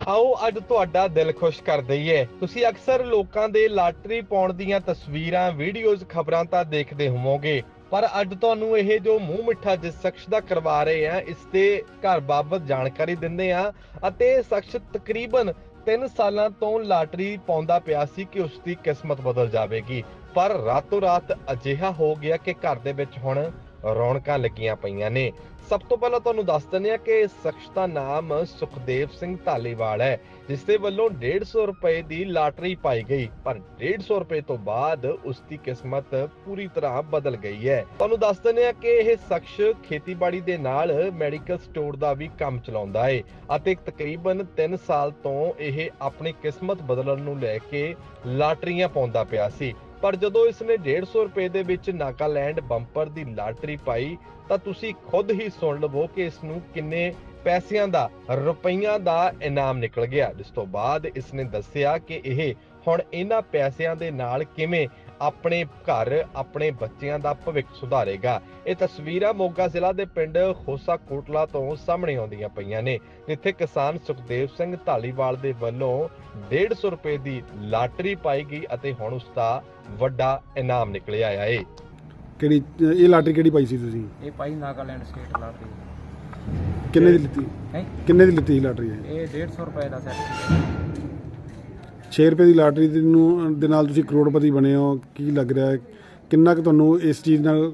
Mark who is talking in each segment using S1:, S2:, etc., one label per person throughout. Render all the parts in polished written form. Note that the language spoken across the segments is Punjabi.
S1: आओ अज तुहाडा दिल खुश कर दईए। तुसी अक्सर लोकां दे लाटरी पाउण दीयां तस्वीरां वीडियोज़ खबरां तां देखदे होवोगे, पर अज तुहानूं ਇਹ ਜੋ ਮੂੰਹ ਮਿੱਠਾ ਜਿਸ ਸ਼ਖਸ ਦਾ ਕਰਵਾ ਰਹੇ ਆ ਇਸ ਦੇ ਘਰ ਬਾਬਤ ਜਾਣਕਾਰੀ ਦਿੰਦੇ ਆ ਅਤੇ ਇਹ ਸ਼ਖਸ ਤਕਰੀਬਨ 3 ਸਾਲਾਂ ਤੋਂ ਲਾਟਰੀ ਪਾਉਂਦਾ ਪਿਆ ਸੀ ਕਿ ਉਸ ਦੀ ਕਿਸਮਤ ਬਦਲ ਜਾਵੇਗੀ, ਪਰ ਰਾਤੋਂ ਰਾਤ ਅਜਿਹਾ ਹੋ ਗਿਆ ਕਿ ਘਰ ਦੇ ਵਿੱਚ ਹੁਣ ਰੌਣਕਾਂ ਲੱਗੀਆਂ ਪਈਆਂ ਨੇ। ਸਭ ਤੋਂ ਪਹਿਲਾਂ ਤੁਹਾਨੂੰ ਦੱਸ ਦਿੰਦੇ ਆ ਕਿ ਇਸ ਸ਼ਖਸ ਦਾ ਨਾਮ ਸੁਖਦੇਵ ਸਿੰਘ ਧਾਲੀਵਾਲ ਹੈ, ਜਿਸ ਦੇ ਵੱਲੋਂ 150 ਰੁਪਏ ਦੀ ਲਾਟਰੀ ਪਾਈ ਗਈ, ਪਰ 150 ਰੁਪਏ ਤੋਂ ਬਾਅਦ ਉਸ ਦੀ ਕਿਸਮਤ ਪੂਰੀ ਤਰ੍ਹਾਂ ਬਦਲ ਗਈ ਹੈ। ਤੁਹਾਨੂੰ ਦੱਸ ਦਿੰਦੇ ਆ ਕਿ ਇਹ ਸ਼ਖਸ ਖੇਤੀਬਾੜੀ ਦੇ ਨਾਲ ਮੈਡੀਕਲ ਸਟੋਰ ਦਾ ਵੀ ਕੰਮ ਚਲਾਉਂਦਾ ਹੈ ਅਤੇ ਤਕਰੀਬਨ 3 ਸਾਲ ਤੋਂ ਇਹ ਆਪਣੀ ਕਿਸਮਤ ਬਦਲਣ ਨੂੰ ਲੈ ਕੇ ਲਾਟਰੀਆਂ ਪਾਉਂਦਾ ਪਿਆ ਸੀ। ਪਰ ਜਦੋਂ ਇਸਨੇ 150 ਰੁਪਏ ਦੇ ਵਿੱਚ ਨਾਗਾਲੈਂਡ ਬੰਪਰ ਦੀ ਲਾਟਰੀ ਪਾਈ ਤਾਂ ਤੁਸੀਂ ਖੁਦ ਹੀ ਸੁਣ ਲਵੋ ਕਿ ਇਸ ਨੂੰ ਕਿੰਨੇ ਪੈਸਿਆਂ ਦਾ ਰੁਪਈਆਂ ਦਾ ਇਨਾਮ ਨਿਕਲ ਗਿਆ, ਜਿਸ ਤੋਂ ਬਾਅਦ ਇਸਨੇ ਦੱਸਿਆ ਕਿ ਇਹ ਹੁਣ ਇਹਨਾਂ ਪੈਸਿਆਂ ਦੇ ਨਾਲ ਕਿਵੇਂ ਆਪਣੇ ਘਰ ਆਪਣੇ ਬੱਚਿਆਂ ਦਾ ਭਵਿੱਖ ਸੁਧਾਰੇਗਾ। ਇਹ ਤਸਵੀਰਾਂ ਮੋਗਾ ਜ਼ਿਲ੍ਹਾ ਦੇ ਪਿੰਡ ਖੋਸਾ ਕੋਟਲਾ ਤੋਂ ਸਾਹਮਣੇ ਆਉਂਦੀਆਂ ਪਈਆਂ ਨੇ, ਜਿੱਥੇ ਕਿਸਾਨ ਸੁਖਦੇਵ ਸਿੰਘ ਧਾਲੀਵਾਲ ਦੇ ਵੱਲੋਂ 150 ਰੁਪਏ ਦੀ ਲਾਟਰੀ ਪਾਈ ਗਈ ਅਤੇ ਹੁਣ ਉਸ ਦਾ ਵੱਡਾ ਇਨਾਮ ਨਿਕਲਿਆ ਆਇਆ ਏ।
S2: ਕਿਹੜੀ ਇਹ ਲਾਟਰੀ ਕਿਹੜੀ ਪਾਈ ਸੀ ਤੁਸੀਂ?
S3: ਇਹ ਪਾਈ ਨਾਗਾਲੈਂਡ ਸਟੇਟ ਲਾਟਰੀ।
S2: ਕਿੰਨੇ ਦੀ ਲਿੱਤੀ?
S3: ਹੈ
S2: ਕਿੰਨੇ ਦੀ ਲਿੱਤੀ ਲਾਟਰੀ?
S3: ਇਹ 150 ਰੁਪਏ ਦਾ ਸੈੱਟ ਸੀ।
S2: 6 ਰੁਪਏ ਦੀ ਲਾਟਰੀ ਦੇ ਨਾਲ ਤੁਸੀਂ ਕਰੋੜਪਤੀ ਬਣੇ ਹੋ, ਕੀ ਲੱਗ ਰਿਹਾ ਹੈ? ਕਿੰਨਾ ਕੁ ਤੁਹਾਨੂੰ ਇਸ ਚੀਜ਼ ਨਾਲ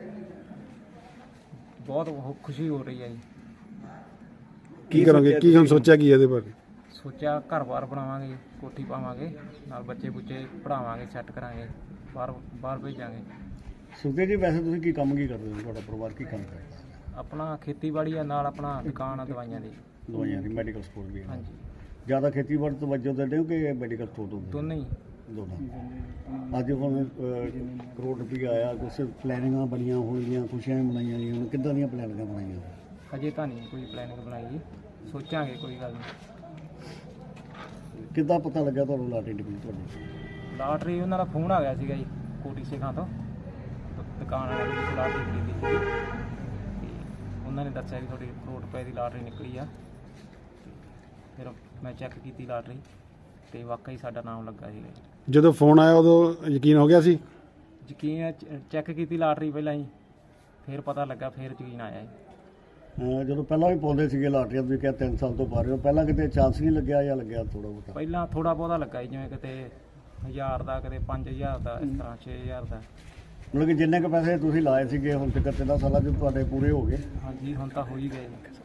S3: ਬਹੁਤ ਖੁਸ਼ੀ ਹੋ ਰਹੀ ਹੈ ਜੀ।
S2: ਕੀ ਕਰੋਗੇ? ਕੀ ਹੁਣ ਸੋਚਿਆ ਕੀ ਇਹਦੇ ਬਾਰੇ?
S3: ਸੋਚਿਆ ਘਰ-ਬਾਰ ਬਣਾਵਾਂਗੇ, ਕੋਠੀ ਪਾਵਾਂਗੇ, ਨਾਲ ਬੱਚੇ-ਬੁੱਚੇ ਪੜਾਵਾਂਗੇ, ਸੈੱਟ ਕਰਾਂਗੇ, ਬਾਹਰ ਭੇਜਾਂਗੇ।
S4: ਸੁਖਦੇਵ ਜੀ, ਵੈਸੇ ਤੁਸੀਂ ਕੀ ਕਰਦੇ ਹੋ? ਤੁਹਾਡਾ ਪਰਿਵਾਰ ਕੀ ਕੰਮ ਕਰਦਾ?
S3: ਆਪਣਾ ਖੇਤੀਬਾੜੀ ਆ, ਨਾਲ ਆਪਣਾ ਦੁਕਾਨ ਆ ਦਵਾਈਆਂ ਦੀ।
S4: ਦਵਾਈਆਂ ਦੀ ਮੈਡੀਕਲ ਸਟੋਰ ਵੀ ਹੈ?
S3: ਹਾਂਜੀ।
S4: ਜ਼ਿਆਦਾ ਖੇਤੀਬਾੜੀ ਤੋਂ ਵਜੋਂ ਦਿੰਦੇ ਹੋ ਕਿ ਮੈਡੀਕਲ ਸਟੋਰ ਤੋਂ?
S3: ਦੋਨੇ ਹੀ।
S4: ਦੋਨਾਂ। ਅੱਜ ਹੁਣ ਕਰੋੜ ਰੁਪਈਆ ਆਇਆ, ਕੁਛ ਪਲੈਨਿੰਗਾਂ ਬਣੀਆਂ ਹੋਣਗੀਆਂ, ਖੁਸ਼ੀਆਂ ਮਨਾਈਆਂ ਗਈਆਂ, ਹੁਣ ਕਿੱਦਾਂ ਦੀਆਂ ਪਲੈਨਿੰਗਾਂ ਬਣਾਈਆਂ?
S3: ਅਜੇ ਤਾਂ ਨਹੀਂ ਕੋਈ ਪਲੈਨਿੰਗ ਬਣਾਈ ਜੀ, ਸੋਚਾਂਗੇ, ਕੋਈ ਗੱਲ ਨਹੀਂ।
S4: ਕਿੱਦਾਂ ਪਤਾ ਲੱਗਾ ਤੁਹਾਨੂੰ ਲਾਟਰੀ ਨਿਕਲੀ ਤੁਹਾਡੀ?
S3: ਲਾਟਰੀ ਉਹਨਾਂ ਦਾ ਫੋਨ ਆ ਗਿਆ ਸੀਗਾ ਜੀ, ਕੋਟੀ ਸਿੰਘਾਂ ਤੋਂ, ਦੁਕਾਨ ਵਾਲੇ ਦੀ ਲਾਟਰੀ ਖਰੀਦੀ ਸੀ ਤੇ ਉਹਨਾਂ ਨੇ ਦੱਸਿਆ ਵੀ ਤੁਹਾਡੀ ਕਰੋੜ ਰੁਪਏ ਦੀ ਲਾਟਰੀ ਨਿਕਲੀ ਆ। ਫਿਰ ਮੈਂ ਚੈੱਕ ਕੀਤੀ ਲਾਟਰੀ ਤੇ ਵਾਕਈ ਸਾਡਾ ਨਾਮ ਲੱਗਾ ਸੀਗਾ ਜੀ।
S2: ਜਦੋਂ ਫੋਨ ਆਇਆ ਉਦੋਂ ਯਕੀਨ ਹੋ ਗਿਆ ਸੀ?
S3: ਯਕੀਨ ਚੈੱਕ ਕੀਤੀ ਲਾਟਰੀ ਪਹਿਲਾਂ ਜੀ, ਫਿਰ ਪਤਾ ਲੱਗਾ, ਫਿਰ ਯਕੀਨ ਆਇਆ ਜੀ।
S4: ਜਦੋਂ ਪਹਿਲਾਂ ਵੀ ਪਾਉਂਦੇ ਸੀਗੇ ਲਾਟਰੀਆਂ, ਤੁਸੀਂ ਕਿਹਾ 3 ਸਾਲ ਤੋਂ ਪਾ ਰਹੇ ਹੋ, ਪਹਿਲਾਂ ਕਿਤੇ ਚਾਂਸ ਨਹੀਂ ਲੱਗਿਆ ਜਾਂ ਲੱਗਿਆ ਥੋੜਾ ਬਹੁਤਾ?
S3: ਪਹਿਲਾਂ ਥੋੜਾ ਬਹੁਤਾ ਲੱਗਾ ਜੀ, ਜਿਵੇਂ ਕਿਤੇ 1000 ਦਾ, ਕਿਤੇ 5000 ਦਾ, ਇਸ ਤਰ੍ਹਾਂ 6000 ਦਾ।
S4: ਮਤਲਬ ਕਿ ਜਿੰਨੇ ਕੁ ਪੈਸੇ ਤੁਸੀਂ ਲਾਏ ਸੀਗੇ ਹੁਣ ਤੱਕ 3 ਸਾਲਾਂ 'ਚ ਤੁਹਾਡੇ ਪੂਰੇ ਹੋ ਗਏ?
S3: ਹਾਂਜੀ, ਹੁਣ ਤਾਂ ਹੋ ਹੀ ਗਏ ਜੀ।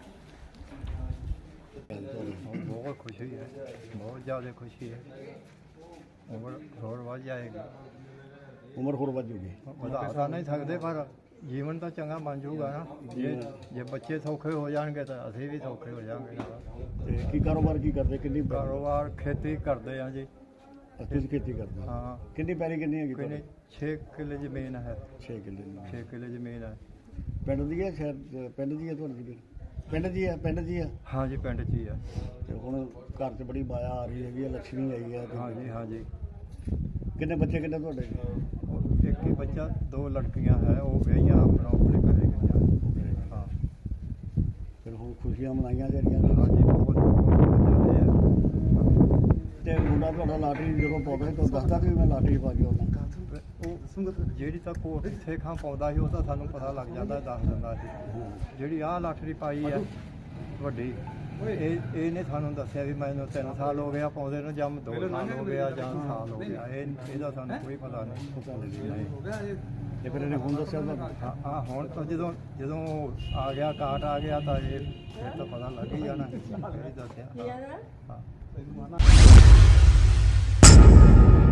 S5: बहुत खुशी है, बहुत ज़्यादा खुशी है। उम्र ਹੋਰ ਵੱਧ ਜਾਏਗੀ।
S4: ਉਮਰ ਹੋਰ ਵੱਧ ਜੂਗੀ?
S5: ਵਧਾ ਤਾਂ ਨਹੀਂ ਸਕਦੇ, ਪਰ ਜੀਵਨ ਤਾਂ ਚੰਗਾ ਬਣ ਜਾਊਗਾ ਨਾ। ਜੇ ਬੱਚੇ ਸੌਖੇ ਹੋ ਜਾਣਗੇ ਤਾਂ ਅਸੀਂ ਵੀ ਸੌਖੇ ਹੋ ਜਾਵਾਂਗੇ ਨਾਲ।
S4: ਤੇ ਕੀ ਕਾਰੋਬਾਰ ਕੀ ਕਰਦੇ? ਕਿੰਨੀ
S5: ਕਾਰੋਬਾਰ ਖੇਤੀ ਕਰਦੇ ਆ ਜੀ।
S4: ਤੁਸੀਂ ਖੇਤੀ ਕਰਦੇ?
S5: ਹਾਂ।
S4: ਕਿੰਨੀ ਪੈਲੀ ਕਿੰਨੀ ਹੈਗੀ?
S5: ਕੋਈ 6 ਕਿੱਲੇ ਜ਼ਮੀਨ ਹੈ।
S4: 6 ਕਿੱਲੇ।
S5: 6 ਕਿੱਲੇ ਜ਼ਮੀਨ ਹੈ।
S4: ਪਿੰਡ ਦੀ ਹੈ? ਸ਼ਹਿਰ ਪਿੰਡ ਦੀ ਹੈ ਤੁਹਾਡੀ ਜ਼ਮੀਨ? ਪਿੰਡ ਦੀ ਹੈ? ਪਿੰਡ ਦੀ ਹੈ?
S5: ਹਾਂ ਜੀ, ਪਿੰਡ 'ਚ ਹੀ ਹੈ।
S4: ਤੇ ਹੁਣ ਘਰ 'ਚ ਬੜੀ ਮਾਇਆ ਆ ਰਹੀ ਹੈਗੀ ਹੈ, ਲక్ష్ਮੀ ਆਈ ਹੈ।
S5: ਹਾਂ ਜੀ, ਹਾਂ ਜੀ।
S4: ਕਿੰਨੇ ਬੱਚੇ ਕਿੰਨੇ ਤੁਹਾਡੇ?
S5: ਇੱਕ ਹੀ ਬੱਚਾ, 2 ਲੜਕੀਆਂ ਹੈ, ਉਹ ਵਿਆਹੀਆਂ ਆਪਣੇ ਘਰੇ ਗਈਆਂ। ਹਾਂ।
S4: ਫਿਰ ਹੁਣ ਖੁਸ਼ੀਆਂ ਮਨਾਈਆਂ ਜਿਹੜੀਆਂ?
S5: ਹਾਂ ਜੀ, ਬਹੁਤ ਜ਼ਿਆਦਾ ਹੈ।
S4: ਤੇ ਮੁੰਡਾ ਤੁਹਾਡਾ ਲਾਟਰੀ ਜਦੋਂ ਪਾਉਂਦਾ ਤਾਂ ਦੱਸਦਾ ਵੀ ਮੈਂ ਲਾਟਰੀ ਪਾ ਕੇ ਆਉਣਾ?
S5: ਉਹ ਜਿਹੜੀ ਤਾਂ ਕੋਟ ਸੇਖਾਂ ਪਾਉਂਦਾ ਸੀ ਉਹ ਤਾਂ ਸਾਨੂੰ ਪਤਾ ਲੱਗ ਜਾਂਦਾ, ਦੱਸ ਦਿੰਦਾ ਸੀ। ਜਿਹੜੀ ਆਹ ਲਾਟਰੀ ਪਾਈ ਹੈ ਵੱਡੀ, ਇਹਨੇ ਸਾਨੂੰ ਦੱਸਿਆ ਵੀ ਮੈਨੂੰ 3 ਸਾਲ ਹੋ ਗਿਆ ਪਾਉਂਦੇ ਨੂੰ, ਜਾਂ 2 ਸਾਲ ਹੋ ਗਿਆ, ਜਾਂ ਸਾਲ ਹੋ ਗਿਆ। ਇਹਦਾ ਸਾਨੂੰ ਕੋਈ ਪਤਾ ਨਹੀਂ।
S4: ਤੇ ਫਿਰ ਇਹਨੇ ਹੁਣ ਦੱਸਿਆ ਤੁਹਾਨੂੰ?
S5: ਹਾਂ, ਹੁਣ ਤਾਂ ਜਦੋਂ ਆ ਗਿਆ, ਕਾਰਡ ਆ ਗਿਆ ਤਾਂ ਇਹ ਫਿਰ ਤਾਂ ਪਤਾ ਲੱਗ ਹੀ ਜਾਣਾ। ਇਹ ਦੱਸਿਆ। ਹਾਂ।